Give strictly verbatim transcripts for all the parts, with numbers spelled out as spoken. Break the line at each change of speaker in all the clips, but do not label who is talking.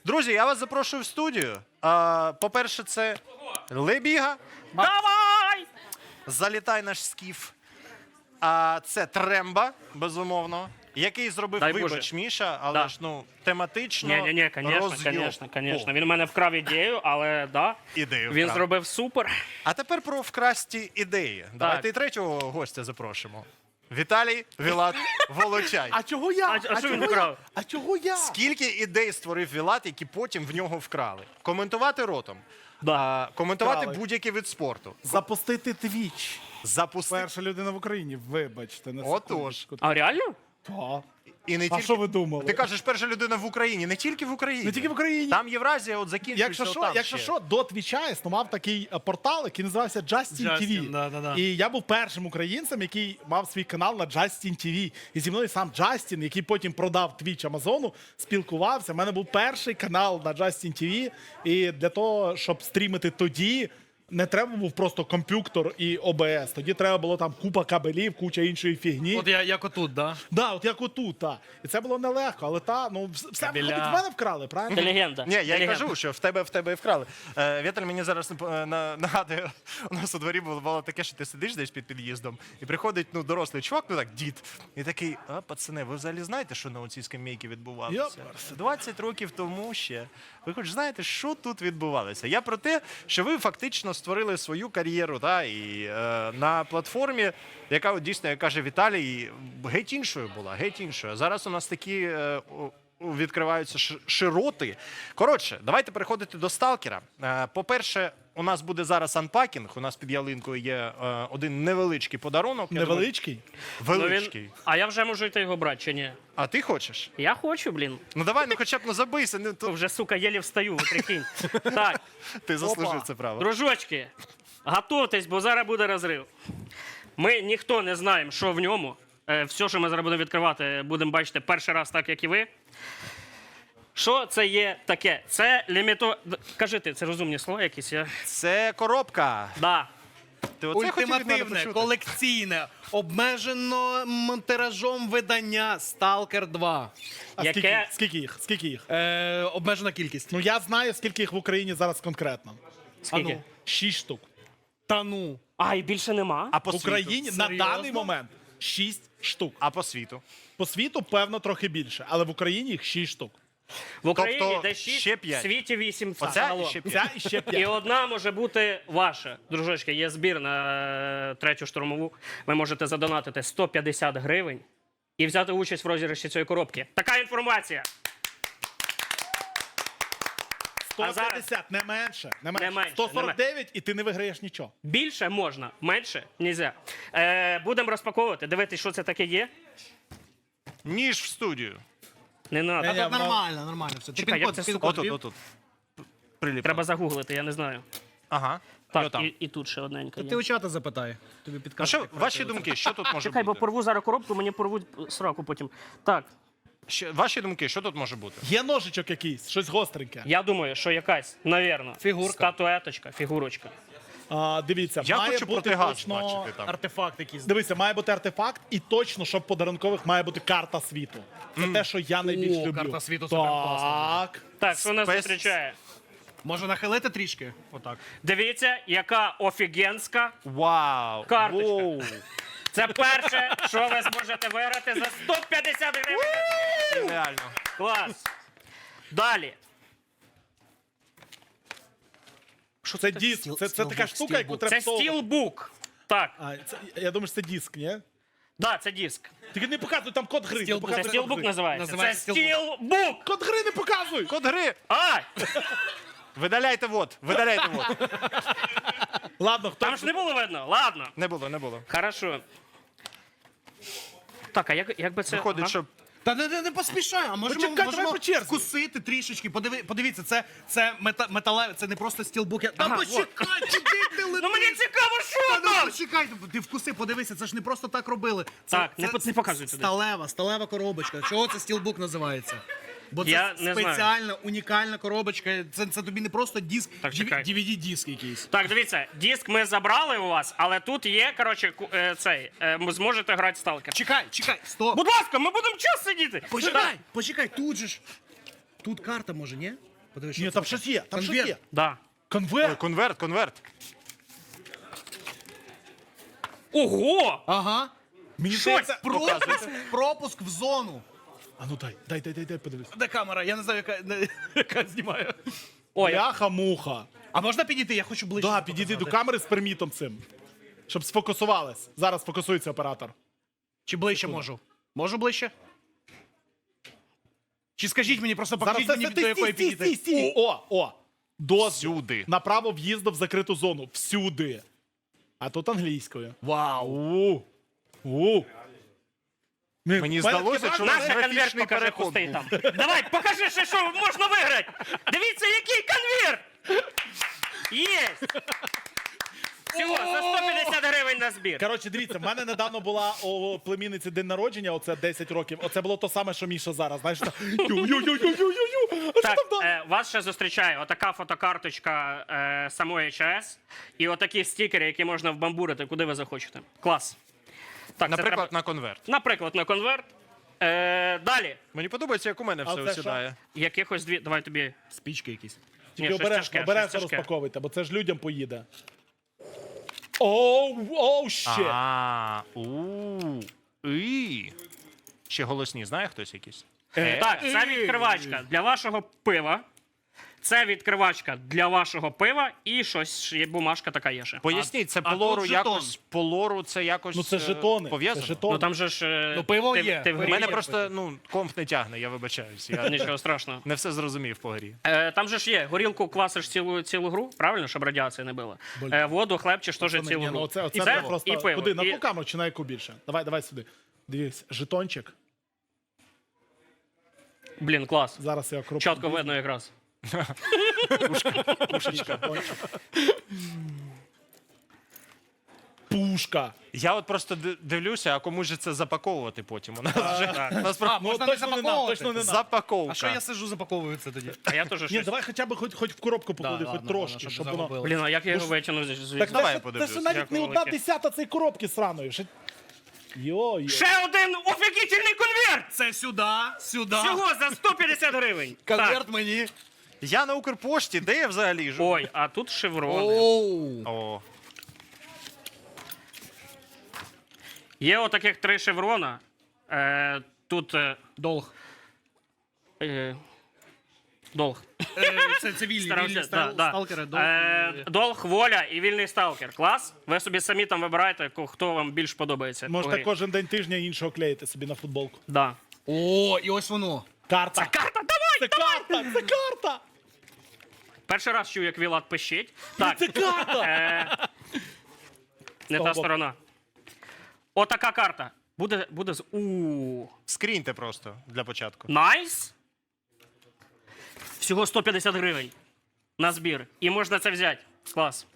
Друзі, я вас запрошую в студію. А, по-перше, це Лебіга.
Давай!
Залітай наш скіф. А це Тремба, безумовно. Який зробив,
Дай
вибач,
Боже.
Міша, але
Да.
ж, ну, тематично
Ні, ні, ні, звісно,
розйоб.
звісно, звісно.
О,
Він у мене вкрав ідею, але да,
ідею
він
вкрав.
зробив супер.
А тепер про вкрасті ідеї. Давайте і третього гостя запрошимо. Віталій Вілат Волочай.
А чого я?
А- а що він
чого
вкрав?
я? А чого я?
Скільки ідей створив Вілат, які потім в нього вкрали? Коментувати ротом.
Да.
А, коментувати
Вкрали.
будь-який вид спорту.
Запустити твіч.
Запустити.
Перша людина в Україні, вибачте. На
Отож.
секундочку.
А реально?
Та.
І не
А
тільки...
що ви думали?
Ти кажеш, перша людина в Україні, не тільки в Україні.
Не тільки в Україні.
Там Євразія от закінчується.
Якщо що,
отам
якщо
ще.
що, до твіча існував такий е, портал, який називався Justin
Justin,
ті ві.
да, да, да.
І я був першим українцем, який мав свій канал на Justin ті ві. І зі мною сам Джастін, який потім продав твіч Амазону, спілкувався. У мене був перший канал на Justin ті ві. І для того, щоб стрімити тоді, не треба був просто комп'ютер і о бе ес. Тоді треба було там купа кабелів, куча іншої фігні.
От я, як отут, да?
Да, от як отут, та. І це було нелегко, але та, ну, вс- все
Кабеля.
виходить, в мене вкрали, правильно?
Ти легенда.
Ні, я й
Легенда.
кажу, що в тебе в тебе і вкрали. Е, Віталь мені зараз е, на- нагадує, у нас у дворі було, було таке, що ти сидиш десь під під'їздом, і приходить ну, дорослий чувак, ну так, дід, і такий, а, пацани, ви взагалі знаєте, що на оцій скамейці відбувалося?
Йоперсе.
двадцять років тому ще. Ви хоч знаєте, що тут відбувалося? Я про те, що ви фактично створили свою кар'єру, та, і е, на платформі, яка от, дійсно, як каже Віталій, геть іншою була, геть іншою. Зараз у нас такі е, о- відкриваються ш- широти. Коротше, давайте переходити до сталкера. Е, По-перше, у нас буде зараз анпакінг. У нас під ялинкою є е, один невеличкий подарунок. Я
Невеличкий.
думаю,
Ну,
величкий.
він... А я вже можу йти його брати чи ні?
А ти хочеш?
Я хочу, блін.
Ну давай, ну хоча б ну забийся. Ну, то...
Вже, сука, єлі встаю, ви прикинь. Так,
Ти заслужив
Опа.
це право.
дружочки, готуйтесь, бо зараз буде розрив. Ми ніхто не знаємо, що в ньому. Е, Все, що ми зараз будемо відкривати, будемо бачити перший раз, так як і ви. Що це є таке? Це ліміто... Д- Кажи ти, це розумні слова якісь? Я...
Це коробка.
Да.
Ти оце хотів від мене
Ультимативне,
почути?
колекційне, обмежено м, тиражом видання Сталкер два.
А
Яке-
скільки, скільки їх? Скільки їх?
Е, обмежена кількість.
Ну я знаю, скільки їх в Україні зараз конкретно.
Скільки?
А ну.
Шість штук.
Та ну.
А, і більше нема?
А по
В Україні
світу?
на
Серйозно?
даний момент шість штук.
А по світу?
По світу, певно, трохи більше, але в Україні їх шість штук.
В Україні
Тобто
де шість,
ще
в
п'ять.
світі вісім.
Оця
загалом.
і ще п'ять.
Ця і ще
І
п'ять.
одна може бути ваша. Дружочки, є збір на е, третю штурмову. Ви можете задонатити сто п'ятдесят гривень і взяти участь в розіграші цієї коробки. Така інформація.
сто п'ятдесят, не менше. Не менше.
Не менше,
сто сорок дев'ять і ти не виграєш нічого.
Більше можна, менше нельзя. Е, будемо розпаковувати, дивитися, що це таке є.
Ніж в студію.
Не
Та
треба.
Ні,
тут
ну-
нормально, нормально. Все. Ти
Чекай,
пін-код,
як це,
пін-код
Отут,
ввів?
отут. Приліп.
Треба загуглити, я не знаю.
Ага. І
Так,
отам.
і, і тут ще одненька
Ти
є.
у чата запитай. Тобі
А
підкажуть.
що,
як
ваші
правильно.
думки, що тут може
Чекай, бо
бути?
порву зараз коробку, мені порвуть сраку потім. Так,
Що- ваші думки, що тут може бути?
Є ножичок якийсь, щось гостреньке.
я думаю, що якась, навірно,
Фігурка.
статуеточка, фігурочка.
А, дивіться,
Я
має
хочу
бути
протигаз
точно...
бачити там.
Артефакт якийсь.
Дивися, має бути артефакт, і точно, щоб подарункових має бути карта світу. Це те, що я найбільш
О,
люблю.
карта світу суперкласна
Так.
Так, що нас
Спец-
зустрічає?
Може нахилити трішки? Отак.
Дивіться, яка офігенська.
Вау!
Карточка.
Воу.
Це перше, що ви зможете виграти за сто п'ятдесят гривень.
Реально.
Клас. Далі.
Що це диск?
Стіл-
Це, це така
стілбук,
штука, яку
стілбук.
треба
Це
всовувати.
стілбук. Так,
А, це, я думаю, що це диск, ні?
да, це диск.
Тільки не показуй, там код гри. Не
Стілбук.
показуй
Це
код
стілбук
гри.
називається. Це
Називається
стілбук.
Код гри не показуй!
Код гри!
А,
Видаляйте вот, видаляйте вот.
Ладно, хто...
там ж не було видно. Ладно.
Не було, не було.
Хорошо. Так, а як, як би це...
Виходить,
ага.
що
Та не, не, не поспішай, а можемо,
Почекай, давай
можемо
по черзі.
вкусити трішечки. Подиви, подивіться, це, це мета, металеве, це не просто стілбук. Я... Та
Ага,
почекай, куди ти летиш?
Ну мені цікаво, що
Та ну
там!
почекай, ти вкуси, подивися, це ж не просто так робили. Це,
Так, не по- не показуй туди.
Сталева, сталева коробочка. Чого це стілбук називається? Бо це
Я не знаю.
спеціальна, унікальна коробочка. Це, це тобі не просто диск,
Так, чекай.
ді ві ді-диск якийсь.
Так, дивіться, диск ми забрали у вас, але тут є, коротше, ку- е, цей, е, ви зможете грати в сталкер.
Чекай, чекай, стоп.
Будь ласка, ми будемо час сидіти.
Почекай, почекай, тут же ж. Тут карта може, ні? Подивись, що
Ні,
це
там
таке.
щось є, там щось
Конверт.
є.
Да.
Ой,
Конверт.
конверт, конверт.
Ого!
Ага.
Мені
Що
здається,
це?
Пропуск, пропуск в зону.
А ну дай, дай, дай, дай, дай, подивись.
Де камера? Я не знаю, яка, не- яка знімає.
Ой,
Бляха-муха.
А можна підійти? Я хочу ближче.
Да, підійди до
показати.
камери з пермітом цим. Щоб сфокусувались. Зараз фокусується оператор.
Чи ближче можу? Можу ближче? Чи скажіть мені, просто покажіть
Зараз
мені,
це
до
ти
якої
стій, стій,
підійти.
стій, стій. О, о. Дозвіл.
Всюди.
На право в'їзду в закриту зону. Всюди. А тут англійською.
Вау.
У. У. Ні,
Мені
в мене
здалося,
таке
що
враження-
наш конверт
графічний
покажи
переход
пустий
був.
там. Давай, покажи ще, що можна виграти. Дивіться, який конверт. Єсть. Всього за сто п'ятдесят гривень на збір.
Коротше, дивіться, в мене недавно була у племінниці день народження, оце десять років. Оце було то саме, що Міша зараз. Знаєш, так, ю-ю-ю-ю-ю-ю. А що
Так,
там далі?
е, вас ще зустрічає отака фотокарточка е, самої ЧАЕС і отакі стікери, які можна вбамбурити, куди ви захочете. Клас. Так, це
Наприклад,
треба-
на конверт.
наприклад, на конверт. Е, далі.
Мені подобається, як у мене
А
все
це
осідає.
Якихось дві. Давай тобі.
Спічки якісь.
Тільки
щось
обережно,
тяжке,
обережно
щось тяжке.
розпаковуйте, бо це ж людям поїде. Оу, оу, ще.
А, у. І. Ще голосні, знає хтось якийсь?
Е,
Так, це відкривачка для вашого пива. Це відкривачка для вашого пива і щось є бумажка така є ще.
Поясніть, це по
а
лору
тут
якось, по лору це якось
Ну це
е,
жетони. Це
пов'язано?
жетони.
Ну там же ж. е,
Ну, пиво
ти,
є.
Ти в
У
грі
Мене
є.
просто, ну, комп не тягне, я вибачаюсь. Я
Нічого страшного.
не все зрозумів по грі.
Е, там же ж є, горілку квасиш цілу, цілу гру, правильно, щоб радіації не було. Е, воду, хлебчиш теж
Пацани,
цілу
ні,
гру.
ну оце, оце
і
треба
це,
просто...
і пиво.
Куди? На
і...
ту камеру чи на яку більше? Давай, давай сюди. Дивись, жетончик.
Блін, клас.
Зараз я кроплю.
Чітко видно якраз.
Пушка.
Я от просто ди- дивлюся, а кому ж це запаковувати потім. У нас вже у нас про-
А, можна не
точно не нам,
запаковувати.
точно не нам.
запаковка.
А що я сижу, запаковую це тоді?
А я теж
Ні,
щось.
давай хоча б хоч, хоч в коробку поклади, хоч
ладно,
трошки,
ладно,
щоб
щоб
воно...
загубили.
Блін, а як я його витягнув звідси?
Так
Давай
це,
я
ж-
подивлюсь.
це ж навіть
Дякую
не одна
велике.
десята цієї коробки сраної. Ще... Йо,
Ще один офігітельний конверт!
Це сюди, сюди.
Всього за сто п'ятдесят гривень. Так.
Конверт мені.
Я на Укрпошті, де я взагалі живу?
Ой, а тут шеврони.
Оу.
О,
Є отаких три шеврона. Е, тут е,
Долг.
е, долг.
Е, Це, це вільні,
Старався,
вільні
да,
стал,
да.
сталкери. Долг.
Е, долг, воля і вільний сталкер. Клас. Ви собі самі там вибираєте, ко- хто вам більш подобається. по
можете
грі.
кожен день тижня іншого клеїти собі на футболку.
Да.
О, і ось воно.
Карта.
Карта, давай!
Це карта! Це карта!
Перший раз чую, як Вілат пищить. Так,
Це карта!
е, не та
боку.
сторона. Отака карта. Буде, буде з. У.
скріньте просто для початку.
Найс. Всього сто п'ятдесят гривень на збір. І можна це взяти. Клас.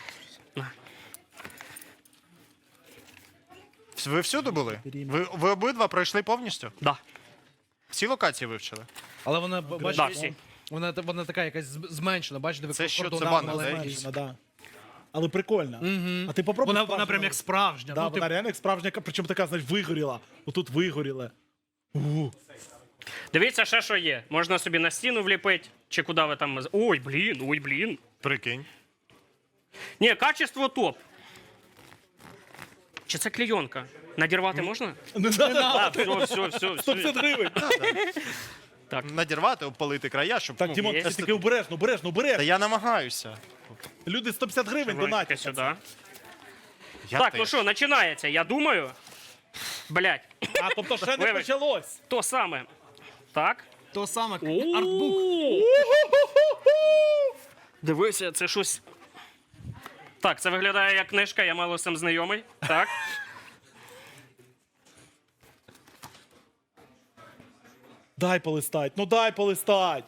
Ви всюди були? Ви, ви обидва пройшли повністю?
Да.
Всі локації вивчили?
Але вона, б-
Да,
бачиш,
всі.
вона, вона така якась з- зменшена, бачите, ви
Це що,
кордон
це
мали
ванна,
маленький.
да?
Зменшена, да. Але прикольно. А ти попробуй.
Вона,
справжню
вона прям як
робити.
справжня.
Да,
ну,
вона
типу,
реально як справжня, причому така, знаєш, вигоріла. Отут вигоріла. У.
Дивіться, ще що є. Можна собі на стіну вліпити, чи куди ви там. Ой, блін, ой, блін.
Прикинь.
Ні, качество топ. Чи це клейонка? Надірвати можна?
Не надо.
А, все, все, все.
сто
все.
п'ятдесят гривень.
Надірвати, обпалити края, щоб.
Так,
ну,
Дімон,
є.
ти таки обережно, обережно,
Та
обережно.
я намагаюся.
Люди сто п'ятдесят гривень
Вроде
донатять.
сюди.
Я
Так,
теж.
ну що, починається, я думаю. Блять,
А, тобто ще не
Вибач.
почалось.
то саме. Так.
то саме артбук.
Дивися, це щось. Так, це виглядає як книжка, я мало з цим знайомий. Так.
Дай полистать, ну дай полистать.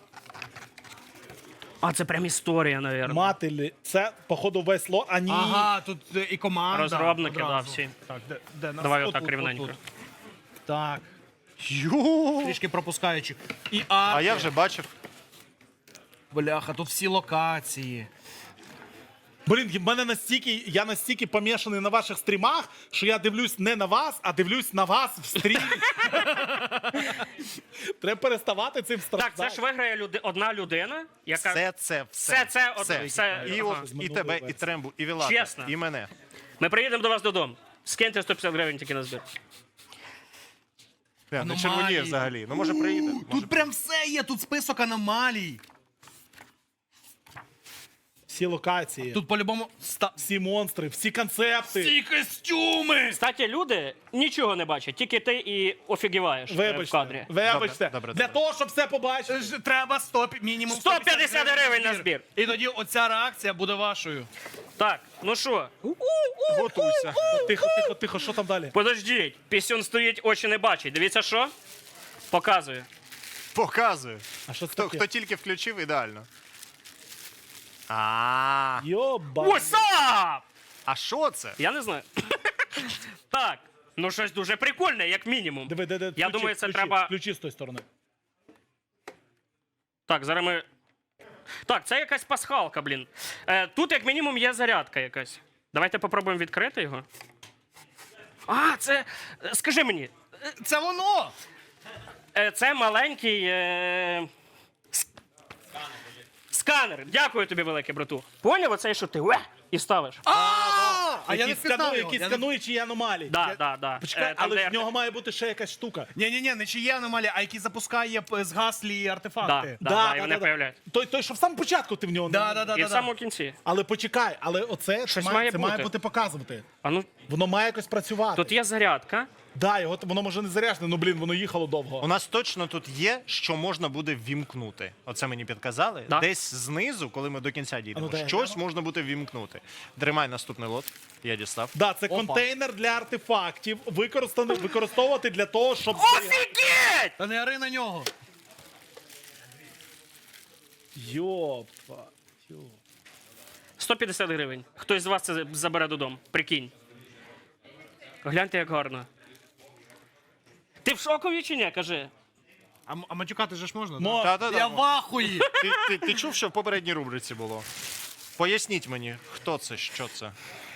А це прям історія, навірно.
Мателі, це, походу, весь ло. А ні.
Ага, тут е, і команда.
Розробники, да,
одразу.
всі.
Так, де, де нас?
Давай
Отут,
отак рівненько.
отут. Так,
Ю.
трішки пропускаючи. І
А
арки.
я вже бачив.
Бляха, тут всі локації.
Блін, в мене настільки, я настільки помішаний на ваших стрімах, що я дивлюсь не на вас, а дивлюсь на вас в стрімі. Треба переставати цим
Так,
страждати.
це ж виграє люди, одна людина, яка.
Все це, все.
Все це, от- все,
І,
ага.
от, і тебе, і Трембу, і Вілата,
Чесно.
і мене.
Ми приїдемо до вас додому. Скиньте сто п'ятдесят гривень тільки на збір.
Не, не
Аномалії.
червоніє взагалі. Ну, може, приїде. Може,
Тут прям все є, тут список аномалій.
Всі локації,
Тут по-любому ста...
всі монстри, всі концепти.
всі костюми.
Кстати, люди нічого не бачать, тільки ти і офігіваєш е, в
Вибачте,
кадрі.
вибачте.
Добре, добре,
Для
добре.
того, щоб все побачити.
Ж- Треба сто, мінімум
сто п'ятдесят гривень на збір.
І тоді оця реакція буде вашою.
Так, ну що,
готуйся.
Тихо, тихо, тихо, що там далі?
подождіть, пісюн стоїть, очі не бачить. Дивіться, що? Показую.
Показую.
А що це
Хто,
таке?
хто тільки включив, ідеально. А,
Йоба.
What's up?
а що це?
Я не знаю. Так, ну щось дуже прикольне, як мінімум.
Диви, де, де,
Я
ключі,
думаю, це
ключі,
треба-
Ключі з тої сторони.
Так, зараз ми. Так, це якась пасхалка, блін. Е, тут, як мінімум, є зарядка якась. Давайте попробуємо відкрити його. А, це. е, Скажи мені,
Це воно!
е, це маленький. Е... с- Сканер. Дякую тобі, велике, брату. Поняв оцей, що ти уе, і ставиш?
А, а я не
Які
впізнав
сканує,
його.
які
Я не-
скануючі аномалії.
Да, да, да.
Почекай,
Е, там,
але
де
в нього має бути ще якась штука.
Ні-ні-ні, не чи є аномалія, а який запускає п- згаслі
Да,
артефакти.
да, да, і вони появляються.
Той, той, що в самому початку ти в нього
Да,
не-
да, да,
І
да,
в самому кінці.
Але почекай, але оце це
Щось
має,
має
це
бути.
має бути показувати.
А ну,
Воно має якось працювати.
тут є зарядка.
Да, його воно може не заряджене, ну блін, воно їхало
У
довго.
нас точно тут є, що можна буде ввімкнути. Оце мені підказали.
Да.
Десь знизу, коли ми до кінця дійдемо,
А ну, дай,
щось можна буде ввімкнути. Тримай наступний лот. Я дістав.
Да, це
Опа.
контейнер для артефактів, використаний використовувати для того, щоб зберігати-
Офігеть!
Та не ори на нього.
Йопа. йо.
сто п'ятдесят гривень. Хтось з вас це забере додому. Прикинь. Гляньте, як гарно. Ти в шокові чи ні? Кажи.
А, м- а матюкати же ж можна?
Мо-
да?
Та-та-та.
Я в ахуї.
Ти, ти, ти чув, що в попередній рубриці було? Поясніть мені, хто це, що це.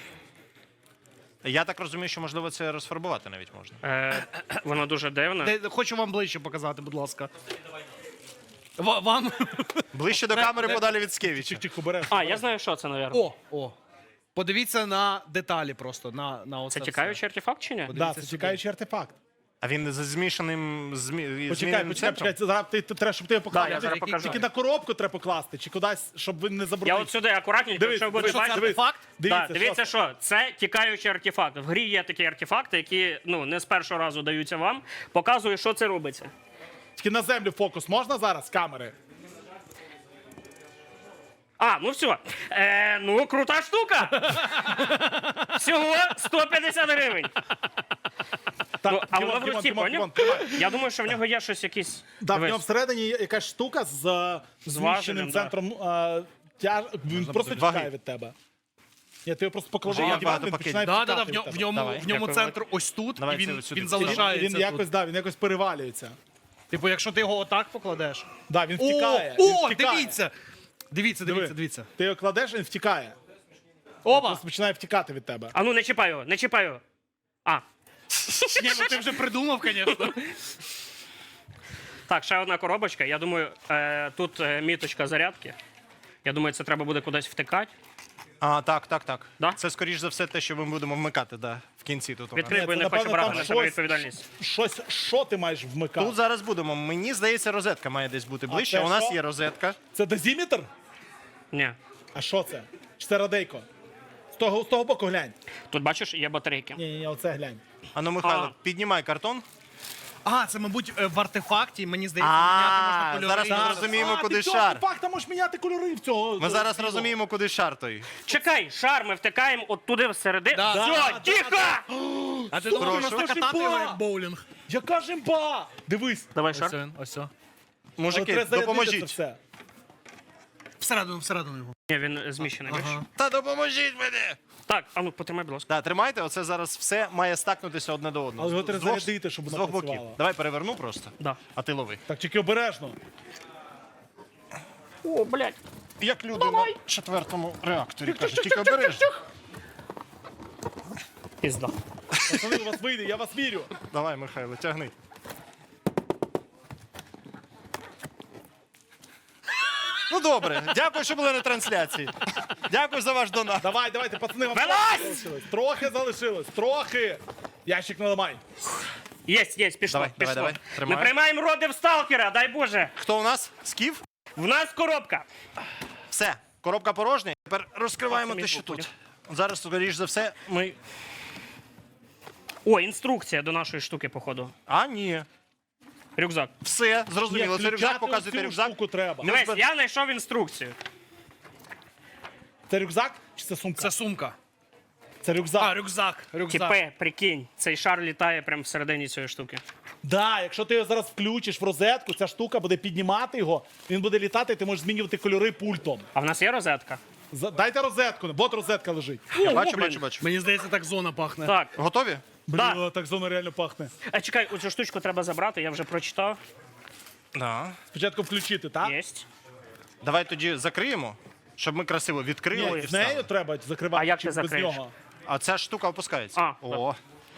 Я так розумію, що можливо це розфарбувати навіть можна.
Е, воно дуже дивне.
Де- Хочу вам ближче показати, будь ласка. Ва- Вам.
Ближче до камери подалі від Скевіча.
Тихо, береш.
А, я знаю, що це, напевно.
О, о. Подивіться на деталі просто, на, на оце
Це
все.
тікаючий артефакт чи ні?
Да,
Дивіться
це
сюди.
чекаючий артефакт.
А він з змішаним змі...
Почекай,
зміненим
почекай,
центром?
почекай, це зараз ти, ти треба, щоб ти його
Да,
поклав.
я зараз
Тільки-
покажу.
Тільки на коробку треба покласти, чи кудись, щоб він не забрудив.
Я от сюди акуратненько,
Дивись,
якщо ви будете
дивись,
бачити.
дивись.
Факт?
Дивіться,
Да, дивіться,
що
що це тікаючий артефакт. В грі є такі артефакти, які ну не з першого разу даються вам. Показую, що це робиться.
це. Тільки на землю фокус можна зараз з камери?
А, ну все. Е, ну, крута штука. Всього сто п'ятдесят гривень.
Так,
Ну, а
Дімон,
воно в
Дімон,
руці,
Дімон,
поняв?
Дімон, тримай.
Я думаю, що в нього є щось якісь.
Да, в
Дивись.
нього всередині є якась штука з е, зміщеним
важелем, да.
центром. е, тяж... Він просто
Ваги.
тікає від тебе. Ні, ти його просто поклади
Вже
на
є
диван,
багато
він
пакетів.
починає
Да, да, да,
втікати
в,
від
ньому- в
тебе.
ньому,
Давай.
в ньому
Дякую,
центр ось тут,
Давай,
і він,
це сюди.
він
Він-
залишається.
Він
тут.
якось, да, він якось перевалюється.
Типу, якщо ти його отак покладеш.
Да, він
О,
втікає. він
о,
втікає.
дивіться! Дивіться,
Диви.
дивіться, дивіться.
Ти його кладеш, він втікає.
Оба!
Просто починає втікати від тебе.
А ну не чіпай його, не чіпай його. А,
Ні, ну ти вже придумав, звісно.
так, ще одна коробочка. Я думаю, е, тут е, міточка зарядки. Я думаю, це треба буде кудись втикати.
А, так, так, так.
Да?
Це, скоріш за все, те, що ми будемо вмикати, да, в кінці тут. у нас.
Відкрий, бо я
це,
не хочу
напевно,
брати
там
на себе
щось-
відповідальність.
Щось, що ти маєш вмикати?
Тут зараз будемо. Мені здається, розетка має десь бути ближче.
це
У нас
що?
є розетка.
Це дозіметр?
Ні.
А що це? Чи це радейко? З того, з того боку глянь.
Тут бачиш, є батарейки.
Ні, ні, ні, оце глянь.
Ану, Михайло,
А.
піднімай картон.
А, це, мабуть, е, в артефакті, мені здається, міняти можна
А,
кольори.
зараз ми
Зараз.
зрозуміємо,
а,
куди
ти цього
шар.
артефакта можеш міняти кольори в цього.
Ми зараз розуміємо, куди шар той.
Чекай, шар ми втикаємо от туди всередину.
Да,
Все,
да, да,
тихо!
А ти
Слухай,
думаєш,
ну
можна
це ж
катати його
імба!
як боулінг?
Яка ж імба! Дивись.
Давай
Ось
шар.
він, ось це.
Але
Мужики,
треба зарядити це
допоможіть.
все.
Всередину, всередину його.
Ні, він е, зміщений. бачиш?
Ага.
Та допоможіть мені!
Так, а ну потримай, будь ласка.
Так, тримайте, оце зараз все має стакнутися одне до одного.
Але його
З
треба
двох-
зарядити, щоб
з
воно
двох боків.
працювало.
Давай переверну просто.
Да.
А ти лови.
Так, тільки обережно.
О, блядь.
як люди на четвертому реакторі кажуть, тільки обережно.
Пізда.
Пацани, у вас вийде, я вас вірю.
Давай, Михайло, тягни. Ну добре, дякую, що були на трансляції. Дякую за ваш донат.
Давай, давайте, пацани, вам
Вилазь!
трохи залишилось. Трохи залишилось, трохи. Ящик наламай.
Єсть, єсть, пішло,
Давай,
пішло.
давай, давай. Тримаю.
Ми приймаємо родив сталкера, дай Боже.
Хто у нас? Скіф?
В нас коробка.
Все, коробка порожня. Тепер розкриваємо
Так, це
те,
мій
що
звук,
тут. Зараз, скоріш за все, ми.
О, інструкція до нашої штуки, походу.
А, ні.
Рюкзак.
Все, зрозуміло. Це рюкзак,
включати
показуйте
цю
рюкзак.
штуку треба.
Дивись, я знайшов інструкцію.
Це рюкзак чи це сумка?
Це сумка.
Це рюкзак.
А, рюкзак. Рюкзак.
Тіпе, прикинь, цей шар літає прямо всередині цієї штуки.
Да, якщо ти його зараз включиш в розетку, ця штука буде піднімати його, він буде літати, і ти можеш змінювати кольори пультом.
А в нас є розетка?
За- Дайте розетку, от розетка лежить.
Я
О,
бачу,
блін.
бачу, бачу.
Мені здається, так зона пахне.
Так.
Готові?
Бля,
Да.
так зона реально пахне.
А чекай, оцю штучку треба забрати, я вже прочитав.
Да.
Спочатку включити, так?
Єсть.
Давай тоді закриємо, щоб ми красиво відкрили.
Ні,
і
з нею
встали.
треба закривати,
А як
чи
ти
без
закриєш?
нього.
А ця штука опускається.
А,
О.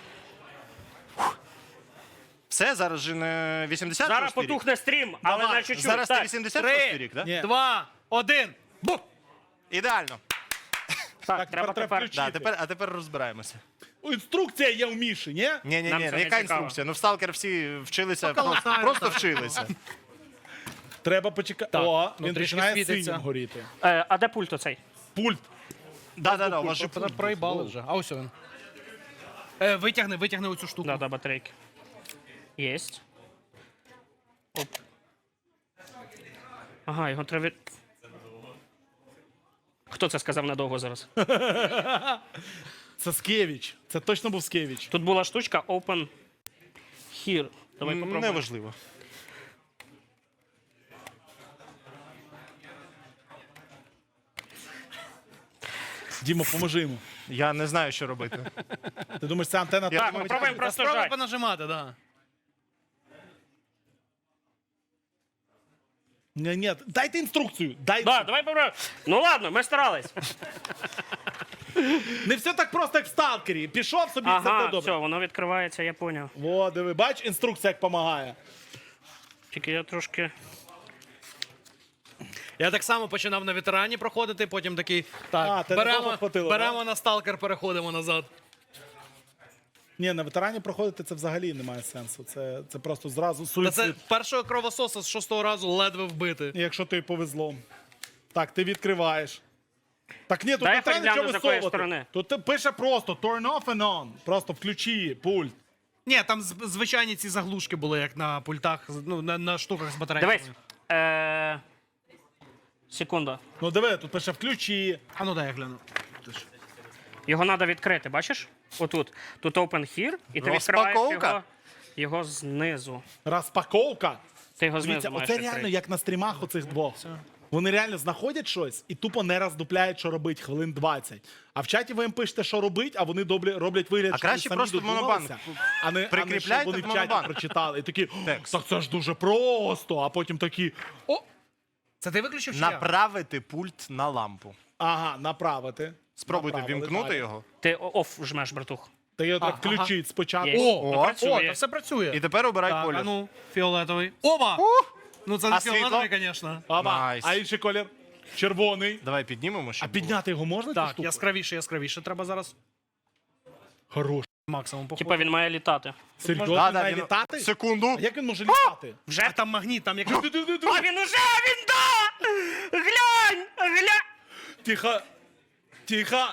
Все, зараз же не вісімдесят
Зараз
шостий рік?
потухне стрім, але
Давай.
на чуть-чуть.
Зараз це
Так,
вісімдесят шостий
Три,
рік, так?
Ні.
два, один. Бух!
Ідеально.
так,
Так,
треба
тепер треба
тепер.
включити.
Да, тепер, а тепер розбираємося.
О, інструкція є в Міші, ні?
Ні, ні,
Нам
ні,
це не
яка
цікаво.
інструкція? Ну в Сталкер всі вчилися,
Поки
просто,
латають,
просто
так.
вчилися.
Треба почекати.
Так,
О,
ну,
він
трішки
починає
світиться.
синім горіти.
Е, а де пульт оцей?
Пульт.
Да, да, да, у вас же пульт.
Проїбали вже. А ось він. Е, витягни, витягни оцю штуку.
Да, да, батарейки. Єсть. Оп. Ага, його треба. від- Хто це сказав надовго зараз?
Це Скевіч. Це точно був Скевіч.
Тут була штучка Open Here. Давай попробуємо.
Неважливо.
Дімо, поможи йому.
Я не знаю, що робити.
Ти думаєш, це антенна
Я
так
Так, ми пробуємо просто
Справа
жать.
понажимати, да.
Ні, ні, дайте інструкцію. Дай...
Да, давай попробуємо. Ну ладно, ми старались.
Не все так просто, як в сталкері. Пішов собі, все
Ага,
буде добре.
все, воно відкривається, я поняв.
О, диви, бач, інструкція як допомагає.
Тільки я трошки.
Я так само починав на ветерані проходити, потім такий. Так,
А, ти
беремо,
такого хватило,
беремо на сталкер, переходимо назад.
Ні, на ветерані проходити це взагалі немає сенсу. Це, це просто зразу
Та
суїцид.
це першого кровососа з шостого разу ледве вбити.
Якщо тобі повезло. Так, ти відкриваєш. Так ні, тут
Дай
не треба
я
нічого
гляну, з якої
висовувати.
сторони.
Тут ти пише просто turn off and on. Просто включи пульт.
Ні, там з- звичайні ці заглушки були, як на пультах, ну, на, на штуках з батарейками.
Дивись. Е... Секунда.
Ну диви, тут пише включи.
А ну дай я гляну.
Його треба відкрити, бачиш? Отут. Тут Open Here, і ти відкриваєш
Розпаковка?
його, його знизу.
Розпаковка.
Ти його знизу
Дивіться,
маєш
оце
відкрити.
реально як на стрімах оцих двох. Вони реально знаходять щось і тупо не роздупляють, що робить хвилин двадцять. А в чаті ви їм пишете, що робить, а вони доблі, роблять вигляд,
А
що вони
краще
самі
просто в
додумалися,
монобанк.
а не, а не
Прикріпляйте
щоб вони
в
в чаті
монобанк.
прочитали. І такі, «О,
Текст.
так це ж дуже просто, а потім такі, о,
Це ти виключив чи я?
Направити пульт на лампу.
ага, направити.
Спробуйте
Направили,
вімкнути
далі.
його.
Ти оф жмеш, братух.
Та його так
А, ага.
включить спочатку.
Є.
О,
Ну,
о,
працює.
та все працює.
І тепер обирай
Так,
колір.
а ну, фіолетовий. Оба! Ну це не
А світло?
фіолетовий, звісно.
Ага.
Найс.
А інший колір? Червоний.
Давай піднімемо,
А
щоб було.
підняти його можна? цю
Так,
штуку?
яскравіше, яскравіше. Треба зараз
Хорош.
максимум походу.
Типа він має літати.
Серйозно,
Да,
він
да,
має
він-
літати?
Секунду.
А як він може літати?
Вже?
А там магніт, там як...
А він уже, він да! Глянь! Глянь!
Тихо. Тихо.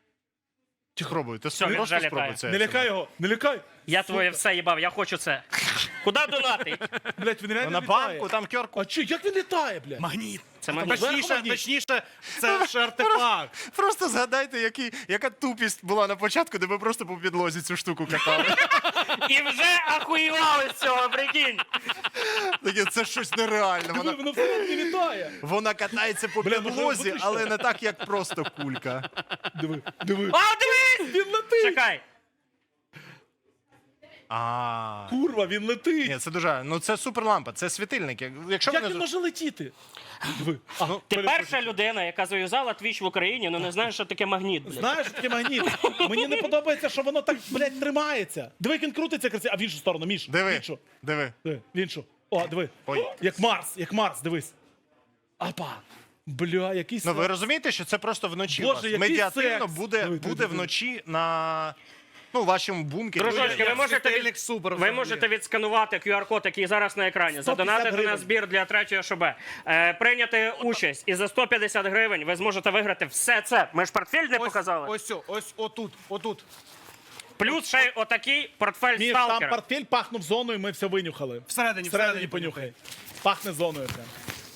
Спробуй, ти
Все, він
просто
вже
спробуй
літає.
це.
Не лякай його, не лякай.
Я твоє все їбав, я хочу це. Куди донатить?
Блять, він реально
На
літає.
банку, там кьорку.
А чи, як він літає, блядь?
Магніт.
Це
там
магніт.
зверху
Точніше,
магніт?
точніше, це ж артефакт.
Просто згадайте, який, яка тупість була на початку, де ви просто по підлозі цю штуку катали.
І вже ахуєвали з цього, прикинь.
Таке, це щось нереальне.
Диви,
Вона,
воно всередині літає.
вона катається по
Бля, може,
підлозі,
виключно?
але не так, як просто кулька.
Диви, диви.
А, дивись!
Він летить.
Чекай.
А.
Курва, він летить.
Ні, це дуже. Ну це суперлампа, це світильник. Як- Якщо
Як
ви
він
не...
може летіти? Диви. А,
Ну,
Ти
перепрошую.
перша людина, яка зав'язала твіч в Україні, ну не знаєш, що таке магніт. Блядь.
Знаєш, таке магніт. Мені не подобається, що воно так, блядь, тримається. Диви, як він крутиться красиво. А в іншу сторону, Міш. В
Диви,
іншу.
диви.
Диви, в іншу. О, диви.
Ой.
Як Марс, як Марс, дивись. Апа. Бля, який
Ну ви
секс.
розумієте, що це просто вночі
Боже,
у вас.
який
медіативно
секс.
буде,
Диви, диви,
буде
диви.
вночі на ну, вашому бункері.
Дружочки, ви можете,
світильник
від...
супер
ви
взагалі.
можете відсканувати ку ар код, який зараз на екрані,
сто п'ятдесят
задонатити на
гривень.
збір для третього ШБ, е, прийняти участь, і за сто п'ятдесят гривень ви зможете виграти все це. Ми ж портфель не показали.
Ось, ось, ось отут, отут.
Плюс ще й отакий портфель
Міш, там
сталкера.
портфель пахнув зоною, ми все винюхали.
Всередині,
Всередині
всередині
понюхай. Пахне зоною прям.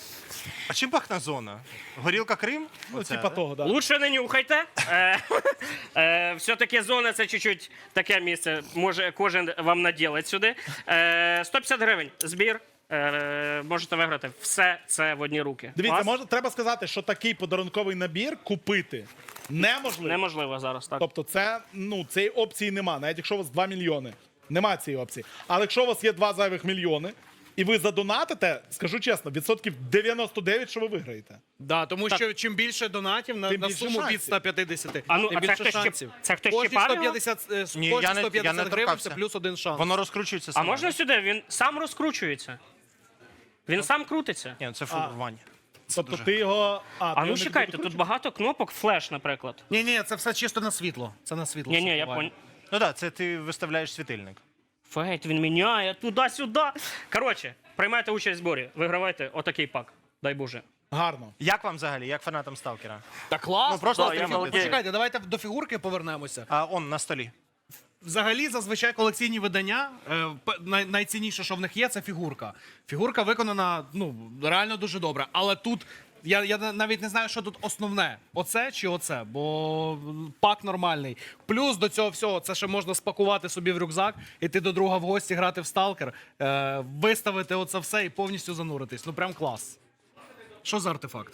А чим пахне зона? Горілка Крим?
Ну,
Оце,
типа
да?
того, да.
Лучше не нюхайте. Е, е, Все-таки зона це чуть-чуть таке місце. Може кожен вам наділить сюди. Е, сто п'ятдесят гривень збір. Е, Можете виграти все це в одні руки.
Дивіться,
Клас?
може, треба сказати, що такий подарунковий набір купити неможливо.
Неможливо зараз, так.
Тобто це, ну, цієї опції нема, навіть якщо у вас два мільйони. Нема цієї опції. Але якщо у вас є два зайвих мільйони, і ви задонатите, скажу чесно, відсотків дев'яносто дев'ять, що ви виграєте.
Да, тому що чим більше донатів на,
Тим
на
більше
суму
шансів.
від ста п'ятдесят,
А ну,
тим
а це
більше
хтось ще-
шансів.
це хтось
Кожні
щипав його?
сто п'ятдесят, е,
Ні,
кожні
я не,
сто
я
п'ятдесят
не
гривень
торкався.
це плюс один шанс.
Воно розкручується
А
саме.
можна сюди? Він сам розкручується. Він сам крутиться.
Ні, це фу, Ваня.
Тобто ти його. А,
А
ти
ну
його не
чекайте, тут
докручуєш?
багато кнопок, флеш, наприклад.
Ні, ні, це все чисто на світло. Це на світло.
Ні,
все
ні, я
впливає.
понял.
Ну так, це ти виставляєш світильник.
Фейт, він міняє туди-сюди. Коротше, приймайте участь в зборі, вигравайте отакий пак. Дай Боже.
Гарно.
Як вам взагалі, як фанатам Сталкера?
Так класно.
Ну, просто
Да, я
такі-
балдею.
Почекайте, давайте до фігурки повернемося.
А он на столі.
Взагалі, зазвичай колекційні видання, е, п- най- найцінніше, що в них є, це фігурка. Фігурка виконана ну, реально дуже добре. Але тут я, я на- навіть не знаю, що тут основне: оце чи оце, бо пак нормальний. Плюс до цього всього, це ще можна спакувати собі в рюкзак, іти до друга в гості, грати в сталкер, е, виставити оце все і повністю зануритись. Ну прям клас. Що за артефакт?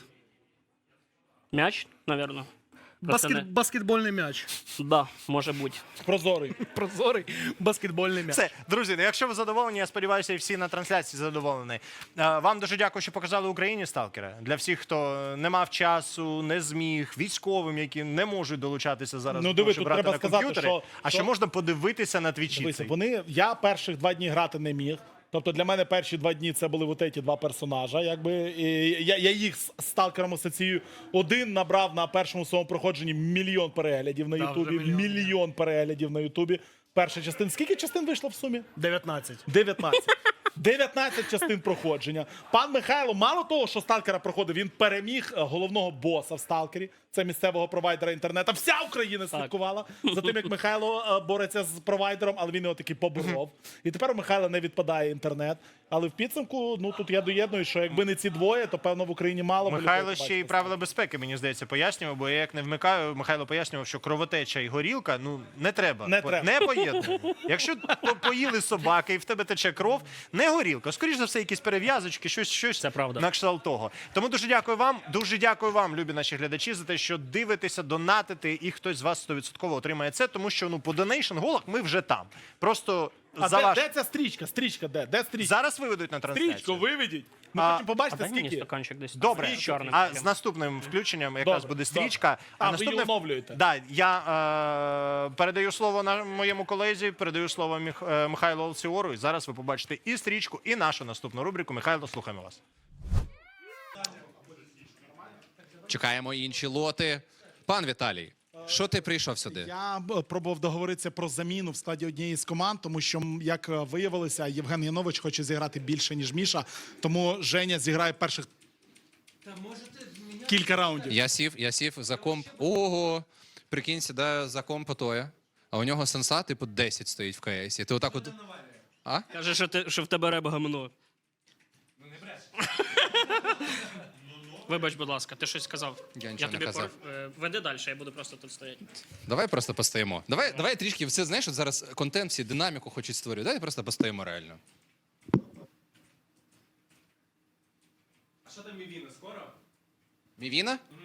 М'яч, напевно.
Баскет, баскетбольний м'яч.
Да, може бути.
Прозорий.
Прозорий баскетбольний м'яч.
Все, друзі, ну якщо ви задоволені, я сподіваюся, і всі на трансляції задоволені. Е, Вам дуже дякую, що показали Україні Сталкера. Для всіх, хто не мав часу, не зміг, військовим, які не можуть долучатися зараз,
Ну,
до
диви,
того, щоб
тут
грати
треба
на
сказати,
комп'ютері,
що-
а ще
що-
можна подивитися на твічі.
Дивися,
цей.
вони, я перших два дні грати не міг. Тобто для мене перші два дні це були от ці два персонажа. Якби, і я, я їх з сталкером асоціюю. Один набрав на першому своєму проходженні мільйон переглядів на
Да,
Ютубі.
вже мільйон.
Мільйон переглядів на Ютубі. Перша частина. Скільки частин вийшло в сумі?
дев'ятнадцять.
дев'ятнадцять. дев'ятнадцять частин проходження. Пан Михайло, мало того, що сталкера проходив, він переміг е, головного боса в сталкері. Це місцевого провайдера інтернету. Вся Україна слідкувала за тим, як Михайло е, бореться з провайдером, але він його таки поборов. І тепер у Михайла не відпадає інтернет. Але в підсумку, ну тут я доєдную, що якби не ці двоє, то певно в Україні мало б
Михайло
людей
ще й
побачити.
правила безпеки, мені здається, пояснював, бо я як не вмикаю, Михайло пояснював, що кровотеча і горілка, ну не треба.
Не
По-
треба.
Не поєднуємо. Якщо по- поїли собаки і в тебе тече кров, не горілка. Скоріш за все, якісь перев'язочки, щось, щось
Це правда.
на кшталт того. Тому дуже дякую вам, дуже дякую вам, любі наші глядачі, за те, що дивитеся, донатите, і хтось з вас сто відсотків отримає це, тому що ну по донейшн голах ми вже там. Просто
А
за
де,
ваш...
де ця стрічка? Стрічка де? Де стрічка?
Зараз виведуть на трансляцію.
Стрічку виведіть. Ми
А-
хочемо побачити,
Дай мені
скільки.
стаканчик десь.
Добре,
з чорним
а
таким.
з наступним включенням якраз
Добре,
буде стрічка.
добре. А, ви її оновлюєте?
Да, я е, передаю слово на моєму колезі, передаю слово Міх, е, Михайлу Алціору. І зараз ви побачите і стрічку, і нашу наступну рубрику. Михайло, слухаємо вас.
Чекаємо інші лоти. Пан Віталій, що ти прийшов сюди?
Я б, пробував договоритися про заміну в складі однієї з команд, тому що, м, як е, виявилося, Євген Янович хоче зіграти більше, ніж Міша. Тому Женя зіграє перших кілька раундів.
Я сів, я сів за комп. Ого! Прикинь, сідаю за комп Отоя, а у нього сенса, типу, десять стоїть в КС. І ти отак от. А?
Каже, що, ти, що в тебе реба гамно. Ну не бреш. Вибач, будь ласка, ти щось сказав.
Я нічого не
тобі
казав.
пор- е, Веди далі, я буду просто тут стояти.
Давай просто постоїмо. Давай, давай трішки, все знаєш, от зараз контент, всі динаміку хочуть створювати. Давай просто постоїмо реально. А що там Мівіна скоро? Мівіна?